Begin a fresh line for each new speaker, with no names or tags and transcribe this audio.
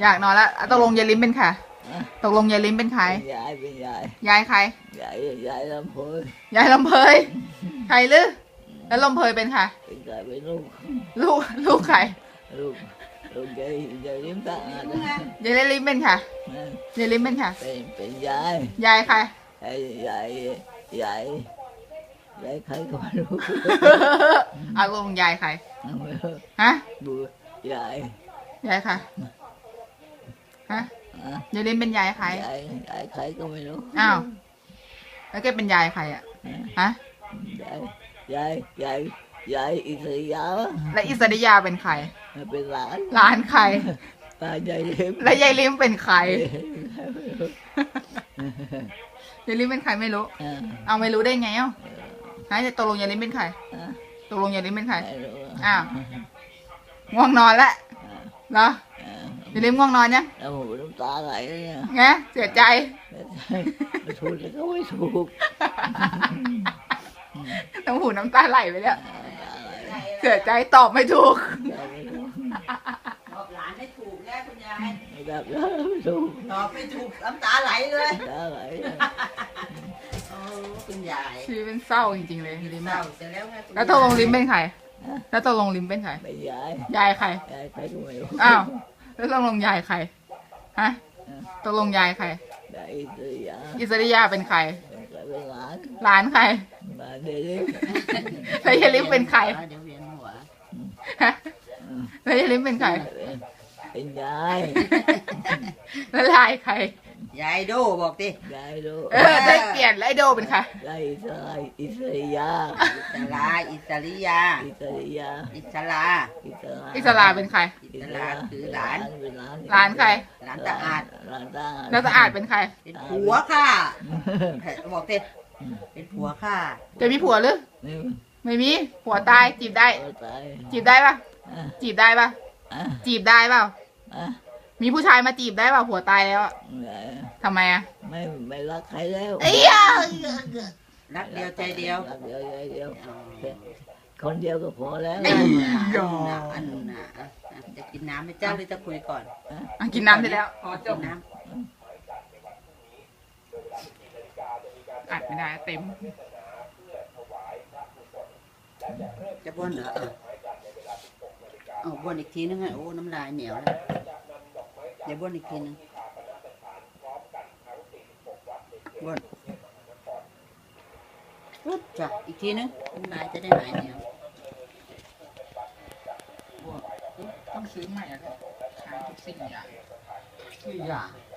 อยากนอนแล้วตกลงยายลิ้มเป็นใครตกลงยายลิ้มเป็นใคร
ยายเป็นยาย
ยายใคร
ยายลำเพย
ยายลำเพยใครหรือแล้วลำเพยเป็นใคร
เป็นใครเป็นลูก
ใคร
ลูกยายลิ้มตาอาด
ยายลิ้มเป็นใครยายลิ้มเป็นใคร
เป็นย
ายใคร
ยายใครก็ไม่รู้
ลงยายใครฮะ
ดูยาย
ใครฮะยายลิ้มเป็นยายใคร
ยายใครก็ไม่รู้
อ้าวแล้วแกเป็นยายใครอ่ะฮะ
ยายอิสริยา
และอิสริยาเป็นใคร
เป็นห
ลานใคร
ตายายลิ้ม
และยายลิ้มเป็นใครยายลิ้มเป็นใครไม่รู้เอาไม่รู้ได้ไงจะตกลงยายลิ้มเป็นใครตกลงยายลิ้มเป็นใครอ้าวง่วงนอนแล้วเหรอยายลิ้มง่วงนอนยัง
น้ำตาไหลเลย
ไงเสียใจ
ไม่ถูกแล้วก็ไม่ถูก
น้ำตาไหลไปแล้วเสียใจตอบไม่ถูก
บอกหลานให้ถูกแน่คุณยาย
แบบไม่ถูก
ตอบไม่ถูกน้ำตาไหลเลย
น้ำตาไหล
โอ้คุณยาย
ชีวิตเป็นเศร้าจริงๆเลยลิ้ม
เศร้าจะแล้วไง
แล้วตกลงลิ้มเป็นใครแล้วตกลงลิ้มเป็นใคร
เป็น
ยายใคร
ใครก็ไม่รู้
อ้าวแล้วตกลงยายใครฮะตกลงยายใครอิสริยาเป็นใคร
เป็น
หลานใคร
เดี๋ยวลิ้ม
แล้วยายลิ้มเป็นใคร
เดี๋ยวเวียนหัว
แล้วยายลิ้มเป็นใคร
เป็นยาย
แล้วยายใคร
ยายโดบอกดิ
ยายโด
ได้เปลี่ยนแล้วไอโดเป็นใคร
ยายอิสริยา
อิสริยา
เป็นใคร
อิสราคือหลาน
ใคร
หลานตาอาด
แล้วตาอาดเป็นใคร
เป็นผัวค่ะบอกดิเป็นผัวค่ะ
จะมีผัวหรือไม่มีผัวตายจีบได้ปะจีบได้ปะจีบได้เปล่ามีผู้ชายมาจีบได้เปล่าผัวตายแล้วทำไม
ไม่รักใครแล้ว
รักเดียวใจเดียว
คนเดียวก็พอแล้ว
จะกินน้ำไหมเจ้าหรือจะคุยก่อน
กินน้ำได้แล้ว
พอจบน้ำ
อัดไม่ได้เต็ม
จะบ้วนเหรอบ้วนอีกทีนึงไงโอ้น้ำลายเหนียวแล้วเดี๋ยวบ้วนอีกทีนึงบ้วนจ้ะอีกทีนึงน้ำลายจะได้หายเหนียว
ต้องซื้อใหม่อะขายทุกสิ่งอย่าง